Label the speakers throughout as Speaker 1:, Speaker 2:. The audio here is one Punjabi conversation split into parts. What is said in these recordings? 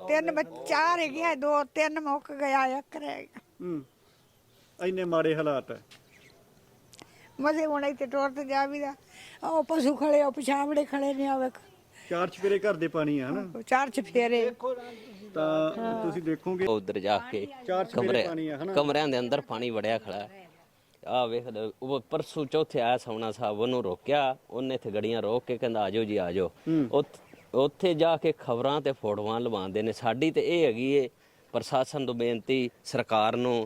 Speaker 1: ਤਿੰਨ ਚਾਰ ਹੈਗੀਆਂ, ਦੋ ਤਿੰਨ ਮੁੱਕ ਗਿਆ, ਇੱਕ ਰਹਿ ਗਿਆ।
Speaker 2: ਇੰਨੇ ਮਾੜੇ ਹਾਲਾਤ ਹੈ।
Speaker 1: ਮਜ਼ੇ ਹੁਣ ਇੱਥੇ ਟੁਰ ਤੇ ਜਾ ਵੀ ਦਾ, ਉਹ ਪਸ਼ੂ ਖੜੇ, ਉਹ ਪਿਛਾਵੜੇ ਖੜੇ ਨੇ, ਆ ਵੇਖ
Speaker 2: ਚਾਰ ਚਪੇਰੇ ਘਰ ਦੇ ਪਾਣੀ ਆ ਹਨਾ,
Speaker 1: ਚਾਰ ਚਫੇਰੇ।
Speaker 2: ਤਾਂ ਤੁਸੀਂ ਦੇਖੋਗੇ
Speaker 3: ਉਧਰ ਜਾ ਕੇ
Speaker 2: ਚਾਰ ਚਪੇਰੇ ਪਾਣੀ ਆ ਹਨਾ।
Speaker 3: ਕਮਰਿਆਂ ਦੇ ਅੰਦਰ ਪਾਣੀ ਵੜਿਆ ਖੜਾ ਹੈ। ਆ ਵੇਖ ਉਹ ਪਰਸੋਂ ਚੌਥੇ ਆਇਆ ਸੋਹਣਾ ਸਾਹਿਬ, ਉਹਨੂੰ ਰੋਕਿਆ, ਉਹਨੇ ਇੱਥੇ ਗੱਡੀਆਂ ਰੋਕ ਕੇ ਕਹਿੰਦਾ ਆਜੋ ਜੀ ਆਜੋ। ਉੱਥੇ ਜਾ ਕੇ ਖਬਰਾਂ ਤੇ ਫੋਟੋਆਂ ਲਵਾਉਂਦੇ ਨੇ। ਸਾਡੀ ਤੇ ਇਹ ਹੈਗੀ ਏ ਪ੍ਰਸ਼ਾਸਨ ਤੋਂ ਬੇਨਤੀ, ਸਰਕਾਰ ਨੂੰ,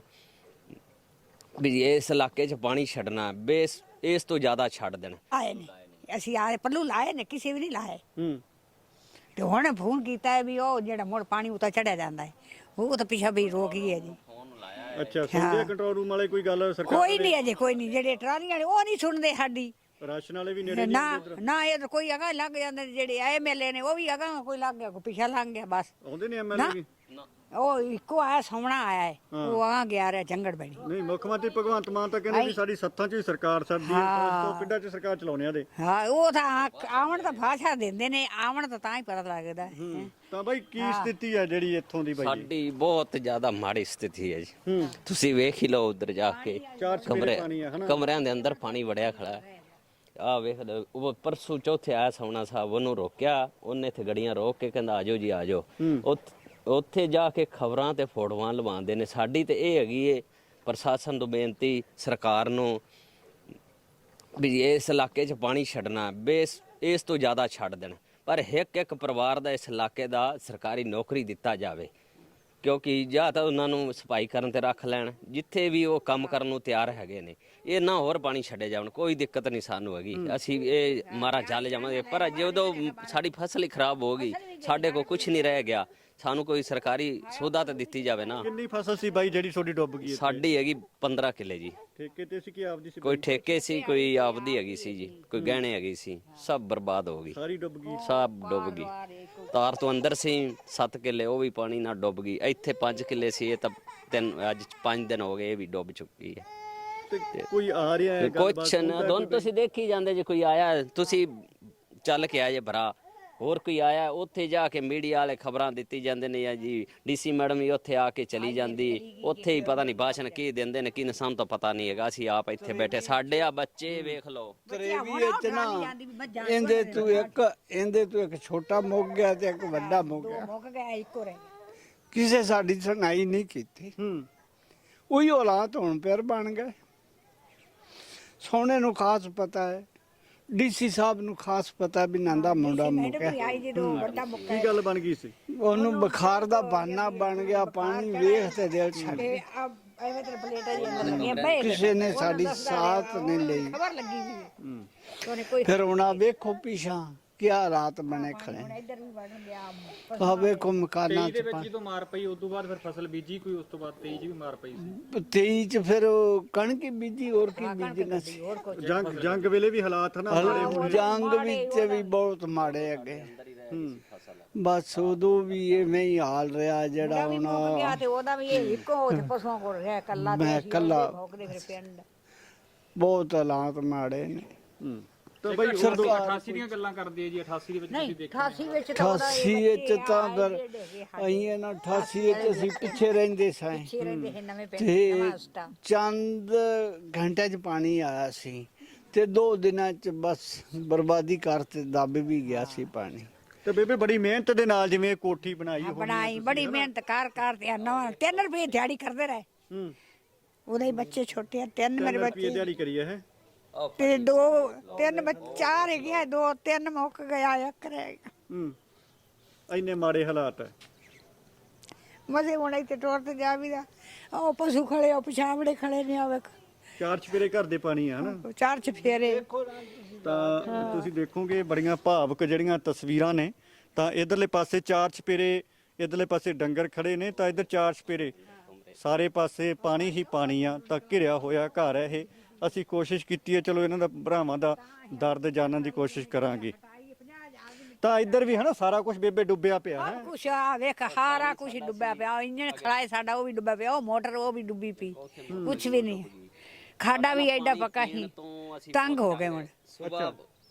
Speaker 3: ਵੀ ਇਸ ਇਲਾਕੇ 'ਚ ਪਾਣੀ ਛੱਡਣਾ, ਬੇਸ ਇਸ ਤੋਂ ਜ਼ਿਆਦਾ ਛੱਡ ਦੇਣ।
Speaker 1: ਆਏ ਨੇ ਅਸੀਂ ਆਏ ਪੱਲੂ ਲਾਏ ਨੇ, ਕਿਸੇ ਵੀ ਨਹੀਂ ਲਾਏ। ਤੇ ਹੁਣ ਫੋਨ ਕੀਤਾ ਵੀ ਉਹ ਜਿਹੜਾ ਮੁੜ ਪਾਣੀ ਉਤਾ ਚੜਿਆ ਜਾਂਦਾ ਹੈ, ਉਹ ਤਾਂ ਪਿੱਛਾ ਵੀ ਰੋਕ ਹੀ ਹੈ ਜੀ।
Speaker 2: ਅੱਛਾ, ਸੁਣਦੇ ਕੰਟਰੋਲ ਰੂਮ ਵਾਲੇ ਕੋਈ ਗੱਲ ਸਰਕਾਰ
Speaker 1: ਕੋਈ ਨਹੀਂ ਅਜੇ, ਕੋਈ ਨਹੀਂ। ਜਿਹੜੇ ਟਰਾਲੀਆਂ ਵਾਲੇ ਉਹ ਨਹੀਂ ਸੁਣਦੇ ਸਾਡੀ।
Speaker 2: ਰਾਸ਼ਨ ਵਾਲੇ ਵੀ ਨੇੜੇ
Speaker 1: ਨਾ ਨਾ, ਇਹ ਤਾਂ ਕੋਈ ਅਗਾ ਲੱਗ ਜਾਂਦੇ, ਜਿਹੜੇ ਐਮਐਲਏ ਨੇ ਉਹ ਵੀ ਅਗਾ, ਕੋਈ ਲੱਗ ਗਿਆ, ਕੋਈ ਪਿੱਛਾ ਲੰਘ ਗਿਆ, ਬਸ।
Speaker 2: ਆਉਂਦੇ ਨੇ ਐਮਐਲਏ ਵੀ?
Speaker 1: ਉਹ ਇੱਕੋ ਆਇਆ ਸੋਹਣਾ ਆਇਆ ਹੈ, ਉਹ ਆ ਗਿਆ ਰਿਹਾ ਜੰਗੜ ਬਣੀ।
Speaker 2: ਨਹੀਂ, ਮੁੱਖ ਮੰਤਰੀ ਭਗਵੰਤ ਮਾਨ ਤਾਂ ਕਹਿੰਦੇ ਵੀ ਸਾਡੀ ਸੱਥਾਂ 'ਚ ਹੀ ਸਰਕਾਰ ਸਰਦੀ ਹੈ, ਪਿੰਡਾਂ 'ਚ ਸਰਕਾਰ ਚਲਾਉਣੇ ਆ ਦੇ।
Speaker 1: ਹਾਂ, ਉਹ ਤਾਂ ਆਵਣ ਤਾਂ ਭਾਸ਼ਾ ਦਿੰਦੇ ਨੇ, ਆਵਣ ਤਾਂ ਹੀ ਪਤਾ ਲੱਗਦਾ।
Speaker 2: ਤਾਂ ਬਾਈ ਕੀ ਸਥਿਤੀ ਹੈ ਜਿਹੜੀ ਇੱਥੋਂ ਦੀ ਬਾਈ?
Speaker 3: ਸਾਡੀ ਬਹੁਤ ਜ਼ਿਆਦਾ ਮਾੜੀ ਸਥਿਤੀ ਹੈ ਜੀ। ਤੁਸੀਂ ਵੇਖ ਹੀ ਲਓ ਉਧਰ ਜਾ ਕੇ ਕਮਰਿਆਂ ਦੇ ਅੰਦਰ ਪਾਣੀ ਵੜਿਆ ਖੜਾ ਹੈ। ਆ ਵੇਖ ਉਹ ਪਰਸੋਂ ਚੌਥੇ ਆਇਆ ਸੋਹਣਾ ਸਾਹਿਬ, ਉਹਨੂੰ ਰੋਕਿਆ, ਉਹਨੇ ਇੱਥੇ ਗੱਡੀਆਂ ਰੋਕ ਕੇ ਕਹਿੰਦਾ ਆਜੋ ਜੀ ਆਜੋ। ਉੱਥੇ ਜਾ ਕੇ ਖਬਰਾਂ ਤੇ ਫੋਟੋਆਂ ਲਵਾਉਂਦੇ ਨੇ। ਸਾਡੀ ਤੇ ਇਹ ਹੈਗੀ ਏ ਪ੍ਰਸ਼ਾਸਨ ਤੋਂ ਬੇਨਤੀ, ਸਰਕਾਰ ਨੂੰ, ਵੀ ਇਸ ਇਲਾਕੇ 'ਚ ਪਾਣੀ ਛੱਡਣਾ, ਬੇਸ ਇਸ ਤੋਂ ਜ਼ਿਆਦਾ ਛੱਡ ਦੇਣ। ਪਰ ਇੱਕ ਪਰਿਵਾਰ ਦਾ ਇਸ ਇਲਾਕੇ ਦਾ ਸਰਕਾਰੀ ਨੌਕਰੀ ਦਿੱਤਾ ਜਾਵੇ, ਕਿਉਂਕਿ ਜਾਂ ਤਾਂ ਉਹਨਾਂ ਨੂੰ ਸਫਾਈ ਕਰਨ ਤੇ ਰੱਖ ਲੈਣ, ਜਿੱਥੇ ਵੀ ਉਹ ਕੰਮ ਕਰਨ ਨੂੰ ਤਿਆਰ ਹੈਗੇ ਨੇ। ਇਹ ਨਾ ਹੋਰ ਪਾਣੀ ਛੱਡੇ ਜਾਣ, ਕੋਈ ਦਿੱਕਤ ਨਹੀਂ ਸਾਨੂੰ ਹੈਗੀ, ਅਸੀਂ ਇਹ ਮਾਰਾ ਚੱਲ ਜਾਵਾਂਗੇ। ਪਰ ਜਦੋਂ ਸਾਡੀ ਫਸਲ ਹੀ ਖਰਾਬ ਹੋ ਗਈ, ਸਾਡੇ ਕੋਲ ਕੁਝ ਨਹੀਂ ਰਹਿ ਗਿਆ, ਸਾਨੂੰ ਕੋਈ ਸਰਕਾਰੀ ਸੌਦਾ ਤਾਂ ਦਿੱਤੀ ਜਾਵੇ ਨਾ।
Speaker 2: ਕਿੰਨੀ ਫਸਲ ਸੀ ਬਾਈ ਜਿਹੜੀ ਤੁਹਾਡੀ ਡੁੱਬ ਗਈ?
Speaker 3: ਸਾਡੀ ਹੈਗੀ 15 ਕਿੱਲੇ ਜੀ।
Speaker 2: ਠੇਕੇ ਤੇ ਸੀ ਕਿ ਆਪਦੀ ਸੀ?
Speaker 3: ਕੋਈ ਠੇਕੇ ਸੀ, ਕੋਈ ਆਪਦੀ ਹੈਗੀ ਸੀ ਜੀ, ਕੋਈ ਗਹਿਣੇ ਹੈਗੀ ਸੀ, ਸਭ ਬਰਬਾਦ ਹੋ ਗਈ,
Speaker 2: ਸਾਰੀ ਡੁੱਬ ਗਈ।
Speaker 3: ਸਭ ਡੁੱਬ ਗਈ। ਤਾਰ ਤੋਂ ਅੰਦਰ ਸੀ 7 ਕਿੱਲੇ, ਉਹ ਵੀ ਪਾਣੀ ਨਾਲ ਡੁੱਬ ਗਈ। ਇੱਥੇ 5 ਕਿੱਲੇ ਸੀ, ਇਹ ਤਾਂ ਅੱਜ 5 ਦਿਨ ਹੋ ਗਏ, ਇਹ ਵੀ ਡੁੱਬ ਚੁੱਕੀ ਹੈ।
Speaker 2: ਤੇ ਕੋਈ ਆ ਰਿਹਾ ਹੈ?
Speaker 3: ਕੁਛ ਨਾ ਦੋਨ ਤੁਸੀਂ ਦੇਖੀ ਜਾਂਦੇ ਜੇ, ਕੋਈ ਆਇਆ ਤੁਸੀਂ ਚੱਲ ਕੇ ਆਏ ਭਰਾ, ਹੋਰ ਕੋਈ ਆਇਆ ਉੱਥੇ ਜਾ ਕੇ ਮੀਡੀਆ ਵਾਲੇ ਖਬਰਾਂ ਦਿੱਤੀ ਜਾਂਦੇ ਨੇ, ਜਾਂ ਜੀ ਡੀਸੀ ਮੈਡਮ ਵੀ ਉੱਥੇ ਆ ਕੇ ਚਲੀ ਜਾਂਦੀ, ਉੱਥੇ ਹੀ ਪਤਾ ਨਹੀਂ ਭਾਸ਼ਣ ਕੀ ਦਿੰਦੇ ਨੇ, ਕੀ ਸਾਨੂੰ ਤਾਂ ਪਤਾ ਨਹੀਂ ਹੈਗਾ। ਅਸੀਂ ਆਪ ਇੱਥੇ ਬੈਠੇ, ਸਾਡੇ ਆ ਬੱਚੇ ਵੇਖ ਲਓ।
Speaker 4: ਇਹਦੇ ਤੋਂ ਇੱਕ ਛੋਟਾ ਮੁੱਕ ਗਿਆ ਤੇ ਇੱਕ ਵੱਡਾ ਮੁੱਕ ਗਿਆ,
Speaker 1: ਇੱਕੋ ਰਹਿ
Speaker 4: ਕਿਸੇ ਸਾਡੀ ਸੁਣਾਈ ਨਹੀਂ ਕੀਤੀ। ਉਹੀ ਹਾਲਾਤ ਹੁਣ ਫਿਰ ਬਣ ਗਏ। ਸੋਹਣੇ ਨੂੰ ਖਾਸ ਪਤਾ ਹੈ, ਡੀਸੀ ਸਾਹਿਬ ਨੂੰ ਖਾਸ ਪਤਾ ਵੀ ਨੰਦਾ ਮੁੰਡਾ ਮੁੱਕਿਆ।
Speaker 2: ਕੀ ਗੱਲ ਬਣ ਗਈ ਸੀ?
Speaker 4: ਉਹਨੂੰ ਬੁਖਾਰ ਦਾ ਬਹਾਨਾ ਬਣ ਗਿਆ, ਪਾਣੀ ਵੇਖ ਤੇ ਦਿਲ ਛੱਡ ਗਿਆ। ਕਿਸੇ ਨੇ ਸਾਡੀ ਸਾਥ ਨਹੀਂ ਲਈ। ਫਿਰ ਹੁਣ ਆ ਵੇਖੋ ਪਿਛਾਂ ਕੀ ਹਾਲਾਤ ਬਣੇ ਖੜੇ। ਆ ਵੇਖੋ ਮਕਾਨਾਂ ਚ
Speaker 5: ਜਦੋਂ ਮਾਰ ਪਈ ਉਸ ਤੋਂ ਬਾਅਦ ਫਿਰ ਫਸਲ ਬੀਜੀ ਕੋਈ, ਉਸ ਤੋਂ ਬਾਅਦ 23 ਚ ਵੀ ਮਾਰ ਪਈ ਸੀ।
Speaker 4: 23 ਚ ਫਿਰ ਉਹ ਕਣਕ ਬੀਜੀ, ਹੋਰ ਕੀ ਬੀਜਣਾ ਸੀ।
Speaker 2: ਜੰਗ ਵੇਲੇ ਵੀ ਹਾਲਾਤ ਨਾ
Speaker 4: ਜੰਗ ਵਿੱਚ ਵੀ ਬਹੁਤ ਮਾੜੇ ਅੱਗੇ। ਬਸ ਉਦੋਂ ਵੀ ਐਵੇਂ ਹੀ ਹਾਲ ਰਿਹਾ ਜਿਹੜਾ ਹੁਣ
Speaker 1: ਉਹਦਾ ਵੀ ਇੱਕੋ ਪਸ਼ੂਆਂ ਕੋਲ ਰਿਹਾ ਕੱਲਾ।
Speaker 4: ਮੈਂ ਕੱਲਾ, ਬਹੁਤ ਹਾਲਾਤ ਮਾੜੇ ਨੇ।
Speaker 2: ਤਾਂ ਬਈ
Speaker 5: 88 ਦੀਆਂ ਗੱਲਾਂ ਕਰਦੇ ਆ ਜੀ। 88 ਦੇ ਵਿੱਚ ਤੁਸੀਂ ਦੇਖਿਆ?
Speaker 1: 88 ਵਿੱਚ
Speaker 4: ਤਾਂ ਫਿਰ ਅਸੀਂ ਨਾ 88 ਵਿੱਚ ਅਸੀਂ ਪਿੱਛੇ ਰਹਿੰਦੇ ਸਾਂ ਤੇ ਚੰਦ ਘੰਟੇ 'ਚ ਪਾਣੀ ਆਇਆ ਸੀ ਤੇ 2 ਦਿਨਾਂ 'ਚ ਬਸ ਬਰਬਾਦੀ ਕਰਤੇ, ਦੱਬ ਵੀ ਗਿਆ ਸੀ ਪਾਣੀ।
Speaker 2: ਤੇ ਬੇਬੇ ਬੜੀ ਮਿਹਨਤ ਦੇ ਨਾਲ ਜਿਵੇਂ ਕੋਠੀ ਬਣਾਈ
Speaker 1: ਬੜੀ ਮਿਹਨਤ ਕਰ ਤੇ 3 ਰੁਪਏ ਦਿਹਾੜੀ ਕਰਦੇ ਰਹੇ। ਉਹਦੇ ਬੱਚੇ ਛੋਟੇ ਆ, 3 ਮੇਰੇ ਬੱਚੇ
Speaker 2: ਦਿਹਾੜੀ ਕਰੀ ਹੈ
Speaker 1: ਤੇ 2 3 ਚਾਰ ਹੈਗੀਆਂ, 2 3 ਮੁੱਕ ਗਿਆ, ਇੱਕ ਰਹਿ ਗਿਆ।
Speaker 2: ਇੰਨੇ ਮਾੜੇ ਹਾਲਾਤ ਹੈ।
Speaker 1: ਮਜ਼ੇ ਹੁਣ ਇੱਥੇ ਟੁਰ ਤੇ ਜਾ ਵੀ ਦਾ, ਉਹ ਪਸ਼ੂ ਖੜੇ, ਉਹ ਪਿਛਾਵੜੇ ਖੜੇ ਨੇ, ਆ ਵੇਖ
Speaker 2: ਚਾਰ ਚਪੇਰੇ ਘਰ ਦੇ ਪਾਣੀ ਆ ਹਨਾ।
Speaker 1: ਚਾਰ ਚਫੇਰੇ।
Speaker 2: ਤਾਂ ਤੁਸੀਂ ਦੇਖੋਗੇ ਬੜੀਆਂ ਭਾਵਕ ਜਿਹੜੀਆਂ ਤਸਵੀਰਾਂ ਨੇ। ਤਾਂ ਇਧਰਲੇ ਪਾਸੇ ਚਾਰ ਚਪੇਰੇ, ਇਧਰਲੇ ਪਾਸੇ ਡੰਗਰ ਖੜੇ ਨੇ, ਤਾਂ ਇਧਰ ਚਾਰ ਚਪੇਰੇ ਸਾਰੇ ਪਾਸੇ ਪਾਣੀ ਹੀ ਪਾਣੀ ਆ। ਤਾਂ ਘਿਰਿਆ ਹੋਇਆ ਘਰ ਹੈ ਇਹ। ਅਸੀਂ ਕੋਸ਼ਿਸ਼ ਕੀਤੀ ਹੈ, ਚਲੋ ਇਹਨਾਂ ਦਾ ਭਰਾਵਾਂ ਦਾ ਦਰਦ ਜਾਣਨ ਦੀ ਕੋਸ਼ਿਸ਼ ਕਰਾਂਗੇ। ਤਾਂ ਇੱਧਰ ਵੀ ਹੈ ਨਾ ਸਾਰਾ ਕੁਝ ਬੇਬੇ ਡੁੱਬਿਆ ਪਿਆ ਹੈ।
Speaker 1: ਕੁਛ ਆ ਵੇਖ, ਸਾਰਾ ਕੁਝ ਡੁੱਬਿਆ ਪਿਆ। ਇੰਜਣ ਖੜਾ ਹੈ ਸਾਡਾ, ਉਹ ਵੀ ਡੁੱਬਿਆ ਪਿਆ। ਉਹ ਮੋਟਰ ਉਹ ਵੀ ਡੁੱਬੀ ਪਈ, ਕੁਛ ਵੀ ਨਹੀਂ। ਖਾਡਾ ਵੀ ਐਡਾ ਪੱਕਾ ਹੀ, ਤੰਗ ਹੋ ਗਏ ਹੁਣ।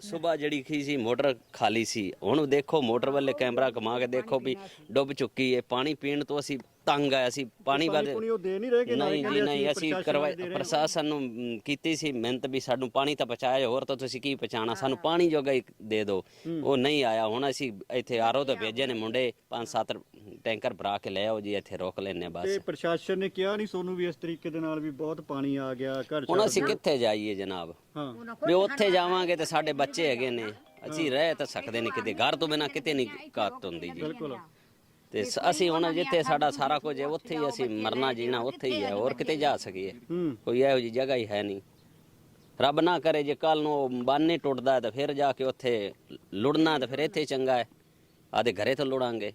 Speaker 3: ਸਵੇਰ ਜਿਹੜੀ ਕੀ ਸੀ ਮੋਟਰ ਖਾਲੀ ਸੀ, ਹੁਣ ਦੇਖੋ ਮੋਟਰ ਵੱਲੇ ਕੈਮਰਾ ਘੁਮਾ ਕੇ ਦੇਖੋ ਵੀ ਡੁੱਬ ਚੁੱਕੀ ਹੈ। ਪਾਣੀ ਪੀਣ ਤੋਂ ਅਸੀਂ ਤੰਗ ਆਇਆ ਸੀ, ਪਾਣੀ ਵੱਧ
Speaker 2: ਪਾਣੀ ਉਹ ਦੇ ਨਹੀਂ ਰਹੇ ਕਿ
Speaker 3: ਨਹੀਂ ਜੀ ਨਹੀਂ, ਅਸੀਂ ਪ੍ਰਸ਼ਾਸਨ ਨੂੰ ਕੀਤੀ ਸੀ ਮਿਹਨਤ ਵੀ ਸਾਨੂੰ ਪਾਣੀ ਤਾਂ ਪਹੁੰਚਾਇਆ, ਹੋਰ ਤਾਂ ਤੁਸੀਂ ਕੀ ਪਹੁੰਚਾਉਣਾ, ਸਾਨੂੰ ਪਾਣੀ ਜੋਗਾ ਹੀ ਦੇ ਦਿਓ। ਉਹ ਨਹੀਂ ਆਇਆ। ਹੁਣ ਅਸੀਂ ਇੱਥੇ ਆਰਓ ਤੋਂ ਭੇਜੇ ਨੇ ਮੁੰਡੇ, 5-7 ਟੈਂਕਰ ਭਰਾ ਕੇ ਲੈ ਆਓ ਜੀ, ਇੱਥੇ ਰੋਕ ਲੈਣੇ ਬਸ।
Speaker 2: ਤੇ ਪ੍ਰਸ਼ਾਸਨ ਨੇ ਕਿਹਾ ਨਹੀਂ ਸੋਨੂੰ ਵੀ ਇਸ ਤਰੀਕੇ ਦੇ ਨਾਲ ਵੀ ਬਹੁਤ ਪਾਣੀ ਆ ਗਿਆ ਘਰ
Speaker 3: ਹੁਣ ਅਸੀਂ ਕਿੱਥੇ ਜਾਈਏ ਜਨਾਬ?
Speaker 2: ਹਾਂ
Speaker 3: ਵੀ ਉੱਥੇ ਜਾਵਾਂਗੇ ਤੇ ਸਾਡੇ ਬੱਚੇ ਹੈਗੇ ਨੇ, ਅਸੀਂ ਰਹਿ ਤਾਂ ਸਕਦੇ ਨਹੀਂ ਕਿਤੇ, ਘਰ ਤੋਂ ਬਿਨਾਂ ਕਿਤੇ ਨਹੀਂ ਘਾਤ ਹੁੰਦੀ ਜੀ।
Speaker 2: ਬਿਲਕੁਲ।
Speaker 3: ਤੇ ਅਸੀਂ ਹੁਣ ਜਿੱਥੇ ਸਾਡਾ ਸਾਰਾ ਕੁਝ ਹੈ ਉੱਥੇ ਹੀ ਅਸੀਂ ਮਰਨਾ ਜੀਣਾ ਉੱਥੇ ਹੀ ਹੈ, ਹੋਰ ਕਿਤੇ ਜਾ ਸਕੀਏ? ਕੋਈ ਇਹੋ ਜਿਹੀ ਜਗ੍ਹਾ ਹੀ ਹੈ ਨਹੀਂ। ਰੱਬ ਨਾ ਕਰੇ ਜੇ ਕੱਲ ਨੂੰ ਬੰਨ ਟੁੱਟਦਾ ਤਾਂ ਫਿਰ ਜਾ ਕੇ ਉੱਥੇ ਲੁੜਨਾ, ਤਾਂ ਫਿਰ ਇੱਥੇ ਚੰਗਾ ਹੈ, ਆਦੇ ਘਰੇ ਤੋਂ ਲੁੜਾਂਗੇ।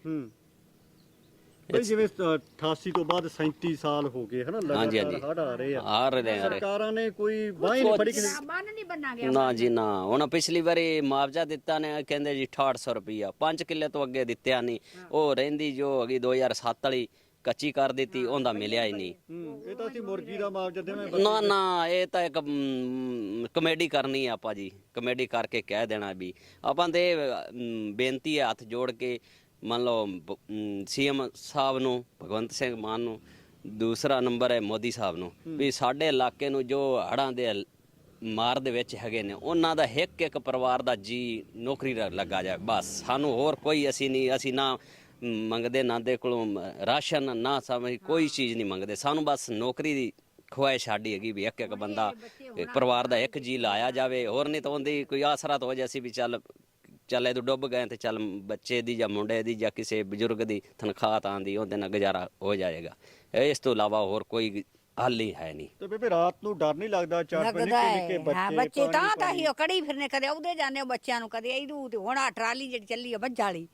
Speaker 2: ਬਈ ਜਿਵੇਂ 88 ਤੋਂ ਬਾਅਦ 37 ਸਾਲ ਹੋ ਗਏ ਹਨਾ,
Speaker 3: ਹਾਂਜੀ,
Speaker 2: ਲਗਾਤਾਰ ਹੜ੍ਹ ਆ ਰਹੇ ਆ,
Speaker 3: ਆ ਰਹੇ ਆ।
Speaker 2: ਸਰਕਾਰਾਂ ਨੇ ਕੋਈ ਬਾਂਹ ਹੀ ਨਹੀਂ ਫੜੀ ਕਿਸੇ ਦੀ।
Speaker 1: ਬੰਨ ਨਹੀਂ ਬੰਨਾ ਗਿਆ
Speaker 3: ਨਾ ਜੀ ਨਾ, ਹੁਣ ਪਿਛਲੀ ਵਾਰੀ ਮੁਆਵਜ਼ਾ ਦਿੱਤਾ ਨੇ, ਕਹਿੰਦੇ ਜੀ 6800 ਰੁਪਈਆ, 5 ਕਿੱਲੇ ਤੋਂ ਅੱਗੇ ਦਿੱਤਿਆ ਨਹੀਂ। ਉਹ ਰਹਿੰਦੀ ਜੋ ਹੈਗੀ 2007 ਵਾਲੀ ਕੱਚੀ ਕਰ ਦਿੱਤੀ, ਉਹਦਾ ਮਿਲਿਆ ਹੀ ਨਹੀਂ।
Speaker 2: ਇਹ ਤਾਂ ਅਸੀਂ ਮੁਰਗੀ ਦਾ ਮੁਆਵਜ਼ਾ ਦੇਵਾਂ।
Speaker 3: ਨਾ ਨਾ, ਇਹ ਤਾਂ ਇੱਕ ਕਮੇਡੀ ਕਰਨੀ ਹੈ ਆਪਾਂ ਜੀ, ਕਮੇਡੀ ਕਰਕੇ ਕਹਿ ਦੇਣਾ ਵੀ ਆਪਾਂ ਤੇ ਬੇਨਤੀ ਹੈ ਹੱਥ ਜੋੜ ਕੇ, ਮੰਨ ਲਓ ਸੀਐਮ ਸਾਹਿਬ ਨੂੰ, ਭਗਵੰਤ ਸਿੰਘ ਮਾਨ ਨੂੰ, ਦੂਸਰਾ ਨੰਬਰ ਹੈ ਮੋਦੀ ਸਾਹਿਬ ਨੂੰ, ਵੀ ਸਾਡੇ ਇਲਾਕੇ ਨੂੰ ਜੋ ਹੜ੍ਹਾਂ ਦੇ ਮਾਰ ਦੇ ਵਿੱਚ ਹੈਗੇ ਨੇ, ਉਹਨਾਂ ਦਾ ਇੱਕ ਪਰਿਵਾਰ ਦਾ ਜੀ ਨੌਕਰੀ ਲੱਗਾ ਜਾਏ ਬਸ। ਸਾਨੂੰ ਹੋਰ ਕੋਈ ਅਸੀਂ ਨਹੀਂ, ਅਸੀਂ ਨਾ ਮੰਗਦੇ ਨਾ ਦੇ ਕੋਲੋਂ ਰਾਸ਼ਨ, ਨਾ ਸਮਝ ਕੋਈ ਚੀਜ਼ ਨਹੀਂ ਮੰਗਦੇ, ਸਾਨੂੰ ਬਸ ਨੌਕਰੀ ਦੀ ਖੁਆਇਸ਼ ਸਾਡੀ ਹੈਗੀ ਵੀ ਇੱਕ ਬੰਦਾ ਪਰਿਵਾਰ ਦਾ ਇੱਕ ਜੀ ਲਾਇਆ ਜਾਵੇ। ਹੋਰ ਨਹੀਂ ਤਾਂ ਉਹਦੀ ਕੋਈ ਆਸਰਾ ਤਾਂ ਹੋ ਜਾਏ, ਅਸੀਂ ਵੀ ਚੱਲ ਇਹ ਤੋਂ ਡੁੱਬ ਗਏ ਤੇ ਚੱਲ ਬੱਚੇ ਦੀ ਜਾਂ ਮੁੰਡੇ ਦੀ ਜਾਂ ਕਿਸੇ ਬਜ਼ੁਰਗ ਦੀ ਤਨਖਾਹ ਤਾਂ ਆਂਦੀ, ਉਹਦੇ ਨਾਲ ਗੁਜ਼ਾਰਾ ਹੋ ਜਾਏਗਾ। ਇਸ ਤੋਂ ਇਲਾਵਾ ਹੋਰ ਕੋਈ ਹੱਲ ਹੀ ਹੈ ਨਹੀਂ।
Speaker 2: ਤੇ ਬੇਬੇ ਰਾਤ ਨੂੰ ਡਰ ਨਹੀਂ ਲੱਗਦਾ? ਚਾਰ ਪੰਜ
Speaker 1: ਲੱਗਦਾ
Speaker 2: ਨਿੱਕੇ
Speaker 1: ਹੈ। ਹਾਂ,
Speaker 2: ਬੱਚੇ
Speaker 1: ਬੱਚੇ ਤਾਂ ਹੀ ਉਹ ਕੜੀ ਫਿਰਨੇ, ਕਦੇ ਉਹਦੇ ਜਾਂਦੇ ਬੱਚਿਆਂ ਨੂੰ, ਕਦੇ ਇਹਨੂੰ। ਤੇ ਹੁਣ ਆ ਟਰਾਲੀ ਜਿਹੜੀ ਚੱਲੀ ਆ ਬੱਜ ਵਾਲੀ,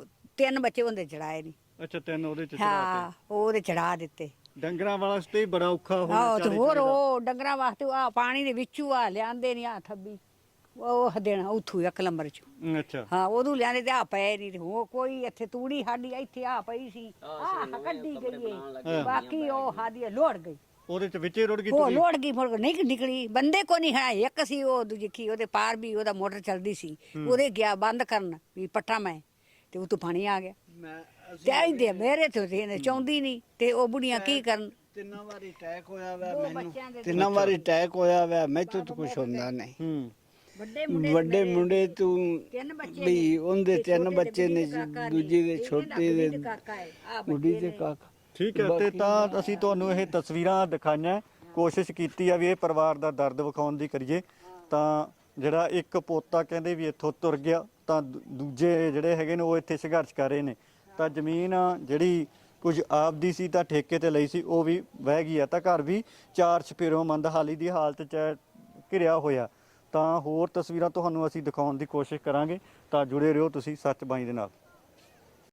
Speaker 1: 3 ਬੱਚੇ ਉਹਦੇ ਚੜਾਏ ਨਹੀਂ।
Speaker 2: ਅੱਛਾ, 3 ਉਹਦੇ ਚ
Speaker 1: ਹਾਂ, ਉਹਦੇ ਚੜਾ ਦਿੱਤੇ।
Speaker 2: ਡੰਗਰਾਂ ਵਾਸਤੇ ਬੜਾ ਔਖਾ ਹੋ
Speaker 1: ਆਹ ਤੇ ਹੋਰ ਉਹ ਡੰਗਰਾਂ ਵਾਸਤੇ ਆ ਪਾਣੀ ਦੇ ਵਿੱਚੋਂ ਆ ਲਿਆਂਦੇ ਨਹੀਂ, ਆ ਥੱਬੀ ਉਹ ਦੇਣਾ ਉੱਥੋਂ 1 ਨੰਬਰ ਚ।
Speaker 2: ਅੱਛਾ
Speaker 1: ਹਾਂ, ਉਦੋਂ ਲਿਆਂਦੇ ਤੇ ਆ ਪਏ ਨਹੀਂ, ਤੇ ਉਹ ਕੋਈ ਇੱਥੇ ਤੂੜੀ ਸਾਡੀ ਇੱਥੇ ਆ ਪਈ ਸੀ, ਆ ਕੱਢੀ ਗਈ ਏ, ਬਾਕੀ ਉਹ ਸਾਡੀ ਲੋੜ ਗਈ,
Speaker 2: ਉਹਦੇ ਚ ਵਿੱਚੇ ਰੁੜ ਗਈ
Speaker 1: ਉਹ ਲੋੜ ਗਈ, ਮੁੜ ਕੇ ਨਹੀਂ ਨਿਕਲੀ। ਬੰਦੇ ਕੋ ਨਹੀਂ ਹੈ, ਇੱਕ ਸੀ ਉਹ ਦੂਜੀ ਕੀ ਉਹਦੇ ਪਾਰ ਵੀ ਉਹਦਾ ਮੋਟਰ ਚੱਲਦੀ ਸੀ, ਉਹਦੇ ਗਿਆ ਬੰਦ ਕਰਨ ਵੀ ਪੱਟਾ ਮੈਂ, ਤੇ ਉਹ ਤੋਂ ਪਾਣੀ ਆ ਗਿਆ। ਤੇ ਆਈਦੇ ਮੇਰੇ ਤੋਂ ਤੇ ਚਾਹੁੰਦੀ ਨਹੀਂ, ਤੇ ਉਹ ਬੁੜੀਆਂ ਕੀ ਕਰਨ।
Speaker 4: 3 ਵਾਰੀ ਅਟੈਕ ਹੋਇਆ ਵਾ ਮੈਨੂੰ, 3 ਵਾਰੀ ਅਟੈਕ ਹੋਇਆ ਵਾ, ਮੈਥੋਂ ਤਾਂ ਕੁਝ ਹੁੰਦਾ ਨਹੀਂ। ਵੱਡੇ ਮੁੰਡੇ ਤੂੰ
Speaker 1: 3 ਬੱਚੇ
Speaker 4: ਵੀ ਉਹਦੇ 3 ਬੱਚੇ ਨੇ, ਦੂਜੀ ਦੇ ਛੋਟੇ ਦੇ ਗੁੱਡੀ ਦੇ ਕਾਕਾ।
Speaker 2: ਠੀਕ ਹੈ। ਤੇ ਤਾਂ ਅਸੀਂ ਤੁਹਾਨੂੰ ਇਹ ਤਸਵੀਰਾਂ ਦਿਖਾਈਆਂ, ਕੋਸ਼ਿਸ਼ ਕੀਤੀ ਆ ਵੀ ਇਹ ਪਰਿਵਾਰ ਦਾ ਦਰਦ ਵਿਖਾਉਣ ਦੀ ਕਰੀਏ। ਤਾਂ ਜਿਹੜਾ ਇੱਕ ਪੋਤਾ ਕਹਿੰਦੇ ਵੀ ਇੱਥੋਂ ਤੁਰ ਗਿਆ, ਤਾਂ ਦੂਜੇ ਜਿਹੜੇ ਹੈਗੇ ਨੇ ਉਹ ਇੱਥੇ ਸੰਘਰਸ਼ ਕਰ ਰਹੇ ਨੇ। ਤਾਂ ਜ਼ਮੀਨ ਜਿਹੜੀ ਕੁਝ ਆਪਦੀ ਸੀ ਤਾਂ ਠੇਕੇ ਤੇ ਲਈ ਸੀ, ਉਹ ਵੀ ਵਹਿ ਗਈ ਆ। ਤਾਂ ਘਰ ਵੀ 4 ਚੁਫੇਰਿਓਂ ਮੰਦਹਾਲੀ ਦੀ ਹਾਲਤ 'ਚ ਘਿਰਿਆ ਹੋਇਆ। ਤਾਂ ਹੋਰ ਤਸਵੀਰਾਂ ਤੁਹਾਨੂੰ ਅਸੀਂ ਦਿਖਾਉਣ ਦੀ ਕੋਸ਼ਿਸ਼ ਕਰਾਂਗੇ। ਤਾਂ ਜੁੜੇ ਰਹੋ ਤੁਸੀਂ ਸੱਚ ਬਾਈ ਦੇ ਨਾਲ।